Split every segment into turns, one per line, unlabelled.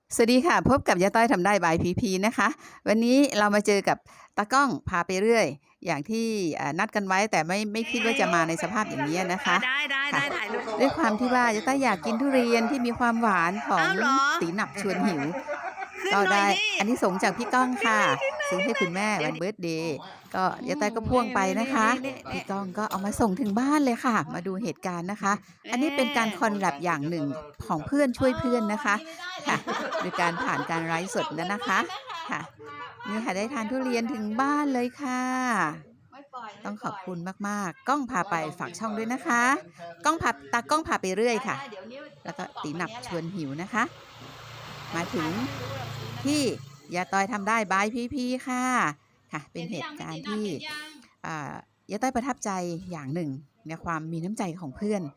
สวัสดีค่ะพบกับยาต้อยทำได้บายพีพีนะคะวันนี้เรามาเจอกับตากล้องพาไปเรื่อยอย่างที่นัดกันไว้แต่ไม่คิดว่าจะมาในสภาพอย่างนี้นะคะ
ได้
ค่ะ
ถ่ายรูป
ด้วยความที่ว่ายาต้อยอยากกินทุเรียนที่มีความหวานของ
อ้าวเหรอ
ตีหนับชวนหิว
ขึ้น
ก็
หน่อ
ได้
ยดิ
อันนี้ส่งส์จากพี่ก้องค่ะซื้อให้คุณแม่วันเบิร์ธเดย์ก็ยาต้อยก็พ่วงไปนะคะพี่ก้องก็เอามาส่งถึงบ้านเลยค่ะ มาดูเหตุการณ์นะคะ อันนี้เป็นการคอนแลบอย่างหนึ่งของเพื่อนช่วยเพื่อนนะคะค่ะโดยการผ่านการไลฟ์สดนะคะค่ะนี่ค่ะได้ทานทุเรียนถึงบ้านเลยค่ะ ต้องขอบคุณมากๆ ก้องพาไปฝากช่องด้วยนะคะก้องพาตากล้องพาไปเรื่อยค่ะ แล้วก็ตีหนับชวนหิวนะคะ มาถึงที่ยาต้อยทำได้บายพีค่ะค่ะ เป็นเหตุการณ์ที่ยาต้อยประทับใจอย่างหนึ่งในความมีน้ำใจของเพื่อน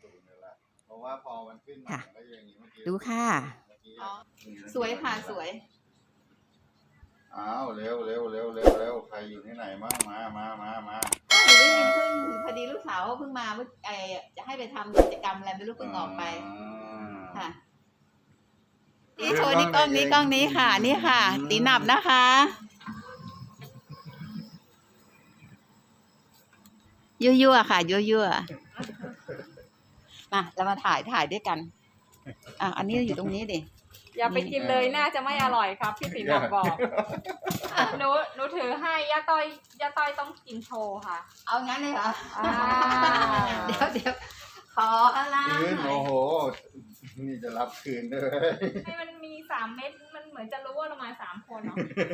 ค่ะดูค่ะสวยค่ะสวย
อ้าวเร็วใครอยู่ที่ไหนมั่งมา
หนูได้ยินเพิ่งพอดีลูกสาวเพิ่งมาจะให้ไปทำกิจกรรมอะไรไม่รู้เพิ่งออกไปค่ะนี่โชว์นี่กล้องนี้ค่ะนี่ค่ะตีหนับนะคะยั่วๆค่ะยั่วๆมาเรามาถ่ายด้วยกันอันนี้อยู่ตรงนี้ดิ
อย่าไปกินเลยน่าจะไม่อร่อยครับพี่ติ๋มบอกหนูถือให้ย่าต้อยต้องกินโชว์ค่ะ
เอางั้นเลยเหรอเดี๋ยวขออะไร
คืนโอ้โหนี่จะรับคืนด้วย
ให้มันมี3 เม็ดมันเหมือนจะรู้ว่าเรามา3 คนเนาะ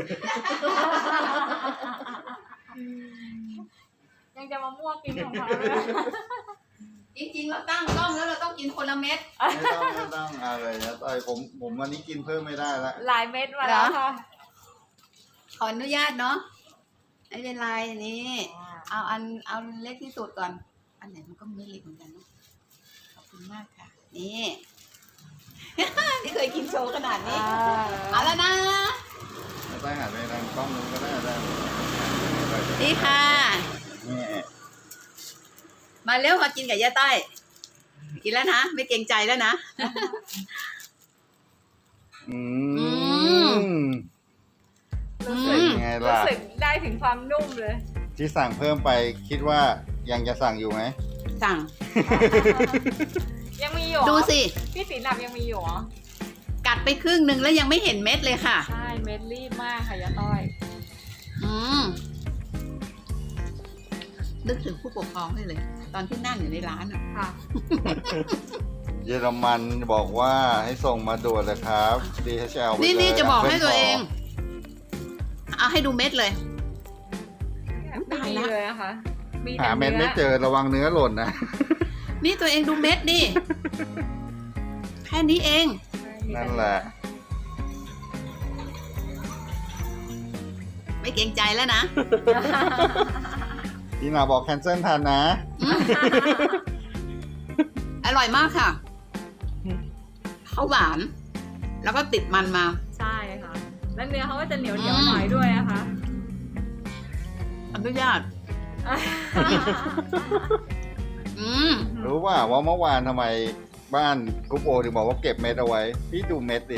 ยังจะมามั่วกินของเขา
จริงๆเราตั้งกล้องแล้วเราต้องกินคนละเม็ด
ไม่ต้องอะไรนะต่อยผมวันนี้กินเพิ่มไม่ได้ละ
หลายเม็ดมาแล้วค่ะ
ขออนุญาตเนาะไม่เป็นไรนี่เอาเล็กที่สุดก่อนอันไหนมันก็ไม่เล็กเหมือนกันเนาะขอบคุณมากค่ะนี่ที่เคยกินโชว์ขนาดนี้เอาแล้วนะ
ต้อยหันไปทางกล้องนู้นก็ได้
นี่ค่ะมาเร็วมากินกับย่าต้อยกินแล้วนะไม่เกรงใจแล้วนะ
รู้สึกได้ถึงความนุ่มเลย
ที่สั่งเพิ่มไปคิดว่ายังจะสั่งอยู่ไหม
สั่ง
ยังมีอยู่
ดูสิ
พี่สีหนับยังมีอยู่
กัดไปครึ่งนึงแล้วยังไม่เห็นเม็ดเลยค่ะ
ใช่เม็ดรีบมากค่ะย่าต้อย
นึกถึงผู้ปกครองได้เลยตอนที่นั่งอยู่ในร้าน
ค่ะ
เยอรมันบอกว่าให้ส่งมาด่วนเลยครับ DHL
นี่จะบอกให้ตัวเองเอาให้ดูเม็ดเลย
ตายแล้วเลยนะคะ
หาเม็ดไม่เจอระวังเนื้อหล่นนะ
นี่ตัวเองดูเม็ดดิแค่นี้เอง
นั่นแหละ
ไม่เกรงใจแล้วนะ
พี่นาบอกแคนเซิลทันนะ
อร่อยมากค่ะเขาหวานแล้วก็ติดมันมา
ใช่ค่ะแล้วเนื้อเขาก็จะเหนียวหน่อยด้วยนะคะ
อนุญาต
รู้ว่าเมื่อวานทำไมบ้านกุ๊ปโอถึงบอกว่าเก็บเม็ดเอาไว้พี่ดูเม็ดดิ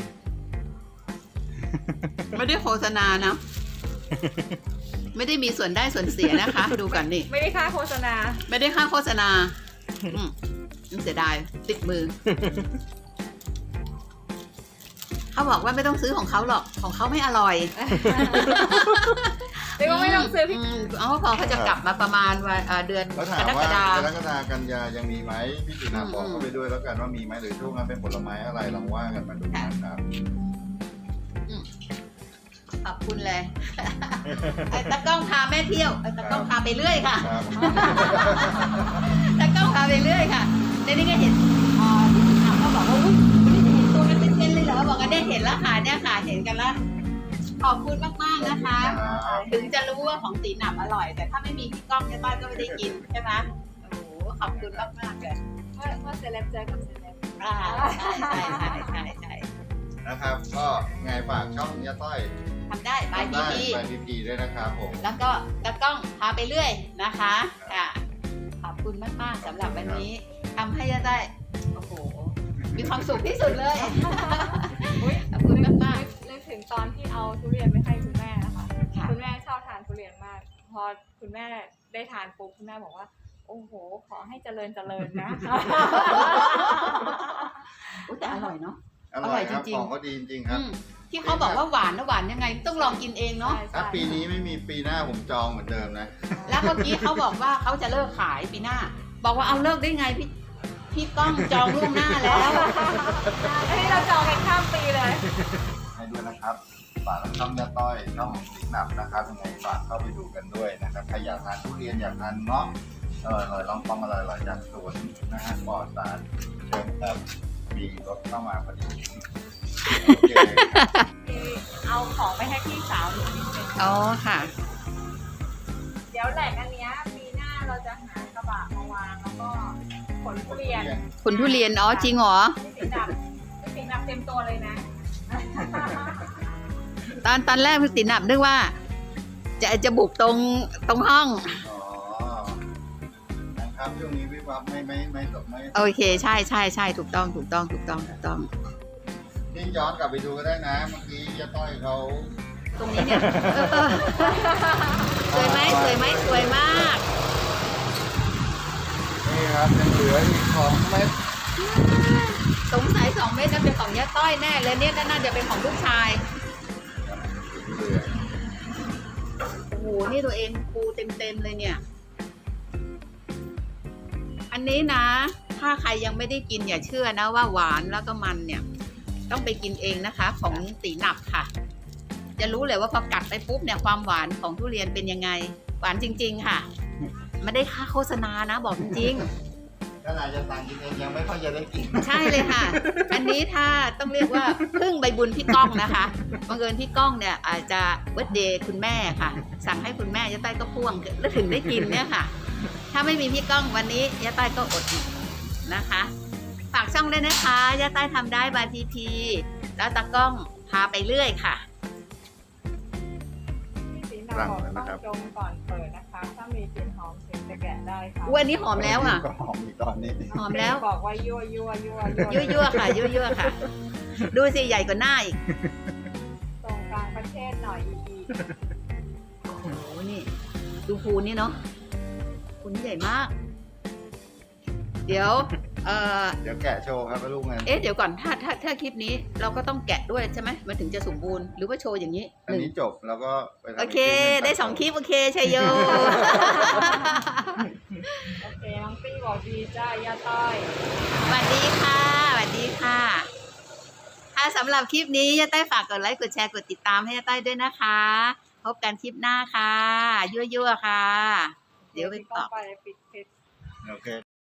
ไม่ได้โฆษณานะไม่ได้มีส่วนได้ส่วนเสียนะคะดูกันนี่
ไม่ได้ค่าโฆษณา
ไม่ได้ค่าโฆษณาเสียดายติดมือเขาบอกว่าไม่ต้องซื้อของเขาหรอกของเขาไม่อร่อย
เรียกว่าไม่ต้องซื้อพี่
พอเขาจะกลับมาประมาณเดือน
กรกฎากันยายังมีไหมพี่ตินาบอกเขาไปด้วยแล้วกันว่ามีไหมหรือช่วงนั้นเป็นผลไม้อะไรลองว่ากันมาดูนะครับ
ขอบคุณเลยตากล้องพาแม่เที่ยวตากล้องพาไปเรื่อยค่ะตากล้องพาไปเรื่อยค่ะในนี้ก็เห็นเขาบอกว่าไม่ได้เห็นตัวกันเป็นเลยเหรอบอกกันได้เห็นแล้วค่ะเนี่ยค่ะเห็นกันแล้วขอบคุณมากๆนะคะถึงจะรู้ว่าของตีหนับอร่อยแต่ถ้าไม่มีพี่ก้องเนี่ยต้อยก็ไม่ได้กินใช่ไหมโอ้โหขอบคุณมากๆเลย
ว่าเซเลบเจอกับเซเลบ
ใช่
นะครับก็ไงฝากช่องย่าต้อย
ทำได้บาย
พีพีด้วยนะครับผม
แล้วก็ตากล้องพาไปเรื่อยนะคะค่ะขอบคุณมากๆสำหรับวันนี้ทำให้ย่าต้อยโอ้โหมีความสุขที่สุดเลยขอบคุณมาก
ทุเรียนไปให้คุณแม่นะคะ
ค่ะ
คุณแม่ชอบทานทุเรียนมาก พอคุณแม่ได้ทานปุ๊บคุณแม่บอกว่า โอ้โห ขอให้เจริญนะ
แต่อร่อยเนาะ
อร่อยครับ
อร่อยจริงๆ
ของเขาดีจริงๆครับ
ที่เขาบอกว่าหวานนะหวานยังไงต้องลองกินเองเนาะ
ถ้าปีนี้ไม่มีปีหน้าผมจองเหมือนเดิมนะ
แล้วเมื่อกี้เขาบอกว่าเขาจะเลิกขายปีหน้า บอกว่าเอาเลิกได้ไงพี่ก้องจองล่วงหน้าแล้ว
อันนี้เราจองกันข้ามปีเลย
ให้ด้วยนะครับฝากช่องยาต้อยช่องสีหนับนะครับยังไงฝากเข้าไปดูกันด้วยนะครับใครอยากทานทุเรียนอยากทานเงาะลองฟังอร่อยๆจากสวนนะฮะปลอดสารเชิญครับมีรถเข้ามาพอดีโอเค
เอาของไปให้พี่สาวหนูนิดนึง
อ๋อค่ะ
เดี๋ยวแหล่งอันเนี้ยปีหน้าเราจะหากระบะมาวางแล้วก็ขนทุเรียน
คุณทุเรียนอ๋อจริงเหรอ
พี่สีดำเต็มตัวเลยนะ
ตอนแรกพี่ติ๋นนึกว่า จะบุกตรงห้อง
อ๋อนะครับช่วงนี้วิบวับไม่ตกไม่
โอเคใช่ถูกต้อง
นี่ย้อนกลับไปดูก็ได้นะ เมื่อกี้ยาต้อยเขา
ตรงนี้เนี่ยสวยไหมสวยมาก
นี่ครับยังเหลืออีก2 เม็ด
สงสัย2 เม็ดน่าเป็นของย่าต้อยแน่เลยเนี่ยน่าจะเป็นของลูกชาย
เหลือ
โอ้โหนี่ตัวเองปูเต็มเลยเนี่ย อันนี้นะ ถ้าใครยังไม่ได้กินอย่าเชื่อนะว่าหวานแล้วก็มันเนี่ย ต้องไปกินเองนะคะ ของตีหนับค่ะ จะรู้เลยว่าพอกัดไปปุ๊บเนี่ยความหวานของทุเรียนเป็นยังไง หวานจริง ๆค่ะไม่ได้ค่าโฆษณานะบอกจริง
ขนาดจะสั่งกินเองยังไม่ค่อยจะได้กิน
ๆ ใช่เลยค่ะ อันนี้ถ้าต้องเรียกว่าพึ่งใบบุญพี่ก้องนะคะบังเอิญพี่ก้องเนี่ยอาจจะเบิร์ธเดย์คุณแม่ค่ะ สั่งให้คุณแม่ย่าต้อยก็พ่วงแล้วถึงได้กินเนี่ยค่ะ ถ้าไม่มีพี่ก้องวันนี้ย่าต้อยก็อดอีกนะคะ ฝากช่องด้วยนะคะย่าต้อยทำได้บายพีพีแล้วตากล้องพาไปเรื่อยค่ะ
พี่สีดำบอกต้องดมก่อนเปิดนะคะ ถ้ามีกลิ่นหอมถึงจะแกะได้ค่ะ
อ้วนนี้หอมแล้วอ่ะ
ก็หอมอีกตอนนี้
หอมแล้ว
บอกว่ายั่ว
ยั่วค่ะยั่วค่ะ ดูสิใหญ่กว่าหน้าอีก
ตรงกลางประเทศหน่อยอีก
โอ้โหนี่ ดูภูนี่เนาะภูนี่ใหญ่มาก เดี๋ยว
เดี๋ยวแกะโชว์ครับลูกเงิน
เดี๋ยวก่อนถ้าคลิปนี้เราก็ต้องแกะด้วยใช่ไหมมันถึงจะสมบูรณ์หรือว่าโชว์อย่างนี้
อันนี้จบแล้วก็ไปทำ
โอเค
กหนึ่ง
ได้2 คลิปโอเคชัยโย
โอเคน้องปี้บอกดีจ้าย่าต้อย
สวัสดีค่ะค่ะสำหรับคลิปนี้ย่าต้อยฝากกดไลค์กดแชร์กดติดตามให้ย่าต้อยด้วยนะคะ พบกันคลิปหน้าค่ะยั่วๆค่ะ เดี๋ยวไป
พี่
ตอบ
ไปปิดเพจ
โอเค